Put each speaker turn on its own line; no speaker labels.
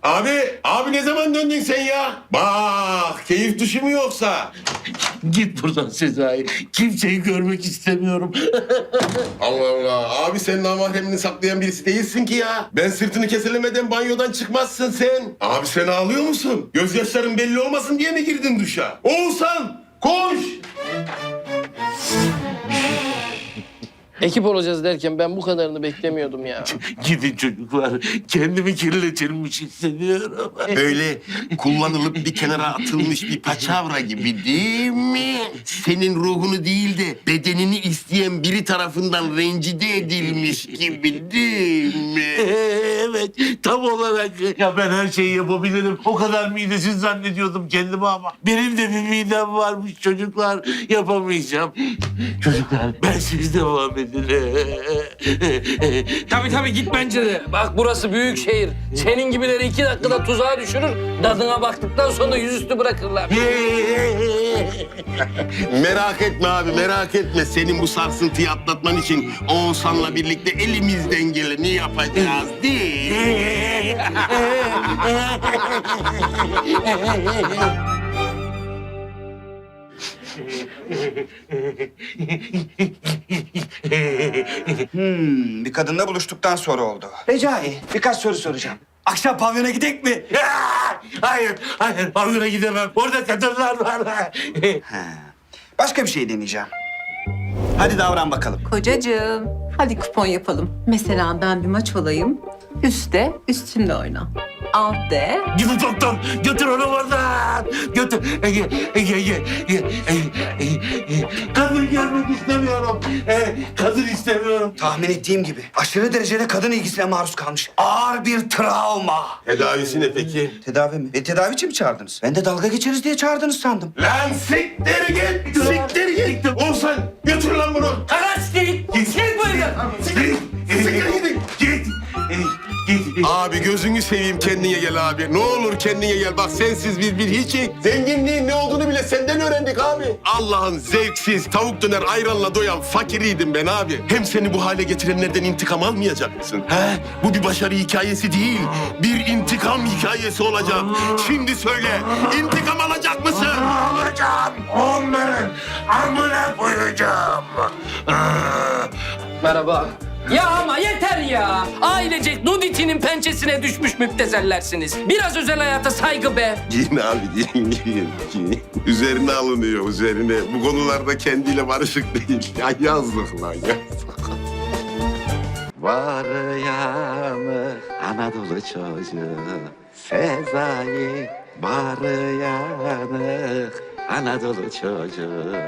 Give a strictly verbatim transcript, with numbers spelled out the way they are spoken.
Abi, abi ne zaman döndün sen ya? Bak, keyif dışı mı yoksa?
Git buradan Sezai. Kimseyi görmek istemiyorum.
Allah Allah, abi sen namahremini saklayan birisi değilsin ki ya. Ben sırtını keselemeden banyodan çıkmazsın sen. Abi sen ağlıyor musun? Gözyaşların belli olmasın diye mi girdin duşa? Oğuzhan, koş!
Ekip olacağız derken ben bu kadarını beklemiyordum ya.
Gidin çocuklar. Kendimi kirletilmiş hissediyorum.
Öyle kullanılıp bir kenara atılmış bir paçavra gibi değil mi? Senin ruhunu değil de bedenini isteyen biri tarafından rencide edilmiş gibi değil mi?
Evet, tam olarak. Ya ben her şeyi yapabilirim. O kadar midesiz zannediyordum kendimi ama. Benim de bir midem varmış çocuklar. Yapamayacağım. Çocuklar, ben siz devam edin.
Tabii tabii git bence de. Bak burası büyük şehir. Senin gibileri iki dakikada tuzağa düşürür. Dadına baktıktan sonra yüzüstü bırakırlar.
Merak etme abi, merak etme. Senin bu sarsıntıyı atlatman için Oğuzhan'la birlikte elimizden geleni yapacağız değil mi?
Hmm, bir kadınla buluştuktan sonra oldu. Recai, birkaç soru soracağım. Akşam pavyona gidek mi?
Hayır, hayır. Pavyona gidemem. Orada kadınlar var.
Ha. Başka bir şey deneyeceğim. Hadi davran bakalım.
Kocacığım, hadi kupon yapalım. Mesela ben bir maç olayım. Üste, üstümde oyna. Alt de.
Gidin doktor. Götür onu oradan. Götür. Ege, Ege, Ege. Ege, Ege, Ege. Kadın görmek istemiyorum. Ee, kadın istemiyorum.
Tahmin ettiğim gibi aşırı derecede kadın ilgisine maruz kalmış. Ağır bir travma.
Tedavisi ne peki?
Tedavi mi? E, tedavi için mi çağırdınız? Ben de dalga geçeriz diye çağırdınız sandım.
Lan siktir git! Siktir git! Oğuzhan götür lan bunu!
Kaçtık. Git bu evden.
Siktir git! Siktir gidin!
Git. Git.
Abi gözünü seveyim kendine gel abi. Ne olur kendine gel. Bak sensiz biz bir hiçik. Zenginliğin ne olduğunu bile senden öğrendik abi. Allah'ın zevksiz tavuk döner ayranla doyan fakiriydim ben abi. Hem seni bu hale getirenlerden intikam almayacak mısın? He? Bu bir başarı hikayesi değil. Bir intikam hikayesi olacak. Şimdi söyle. İntikam alacak mısın?
Alacağım. Onların amına koyacağım.
Merhaba. Ya ama yeter ya. Ailecek Nuditi'nin pençesine düşmüş müptezellersiniz. Biraz özel hayata saygı be.
Giyin abi giyin giyin. giyin. Üzerine alınıyor üzerine. Bu konularda kendiyle barışık değil. Ya yazdık lan yazdık.
Var yanı Anadolu çocuğu Sezai. Var yanı Anadolu çocuğu.